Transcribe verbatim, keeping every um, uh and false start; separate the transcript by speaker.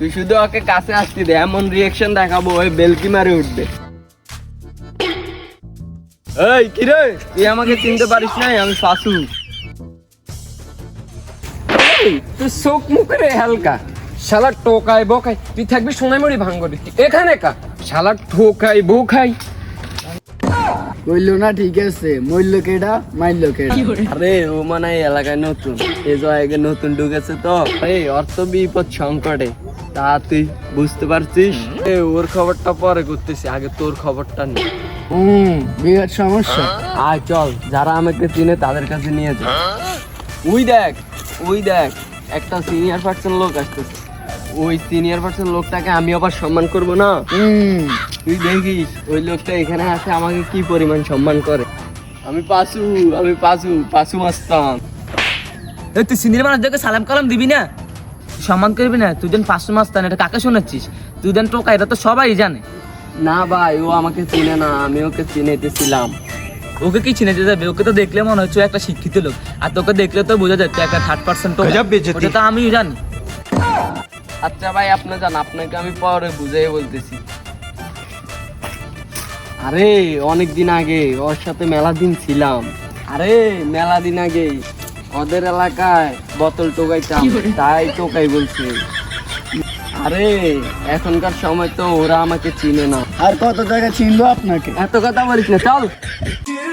Speaker 1: তুই শুধু ওকে কাছে আসতে দে, এমন রিয়াকশন দেখাবো ওই বেলকি মারে উঠবে। এই কি রে, তুই আমাকে চিনতে পারিস নাই? আমি ফাসু।
Speaker 2: এই তুই চোখ মুখে হালকা শালা টোকাই বোকাই, তুই থাকবি সোনাইমুড়ি ভাঙ্গরি এখানে কা শালা ঠোকাই বোকাই।
Speaker 3: কইলো না ঠিক আছে, মইল কেডা মাইল কেডা।
Speaker 1: আরে ও মানে এই এলাকায় নতুন, এই জায়গায় নতুন ঢুকেছে তো, এই অর্থ বিপদ সংকটে, তা তুই বুঝতে পারছিস? এ ওর খবরটা পরে করতেছি, আগে তোর খবরটা নে।
Speaker 3: হুম, বিরাট সমস্যা।
Speaker 1: আয় চল, যারা আমাকে চিনে তাদের কাছে নিয়ে যা। ওই দেখ, ওই দেখ, একটা সিনিয়র পার্সন লোক আসতেছে। ওই সিনিয়র পার্সন লোকটাকে আমি আবার সম্মান করব না?
Speaker 3: হুম,
Speaker 1: তুই দেখিস ওই লোকটা এখানে আসে আমাকে কি পরিমাণ সম্মান করে। আমি পাসু, আমি পাসু, পাসু মাস্তান।
Speaker 4: এই তুই সিনিয়র মানুষদেরকে সালাম কালাম দিবি না, সম্মান করবি না? তুই যেন পাঁচশো মাস্তান, এটা কাকে শোনাচ্ছিস? তুই যেন টোকা, এটা তো সবাই জানে।
Speaker 1: না ভাই, ও আমাকে চিনে না, আমি ওকে চিনেতেছিলাম।
Speaker 4: ওকে কি চিনেতে যাবে? ওকে তো দেখলে মনে হচ্ছে ও একটা শিক্ষিত লোক, আর তোকে দেখলে তো বোঝা যাচ্ছে একটা থার্ড পার্সন। ওটা তো আমিও জানি।
Speaker 1: আচ্ছা ভাই, আপনি জান, আপনাকে আমি পরে বুঝাই বলতেছি। আরে অনেক দিন আগে ওর সাথে মেলা দিন ছিলাম। আরে মেলা দিন আগে ওদের এলাকায় বোতল টোকাইতাম, তাই টোকাই বলছে। আরে এখনকার সময় তো ওরা আমাকে চিনে না।
Speaker 3: আর কত জায়গা চিনবো আপনাকে?
Speaker 1: এত কথা বলিস না, চল।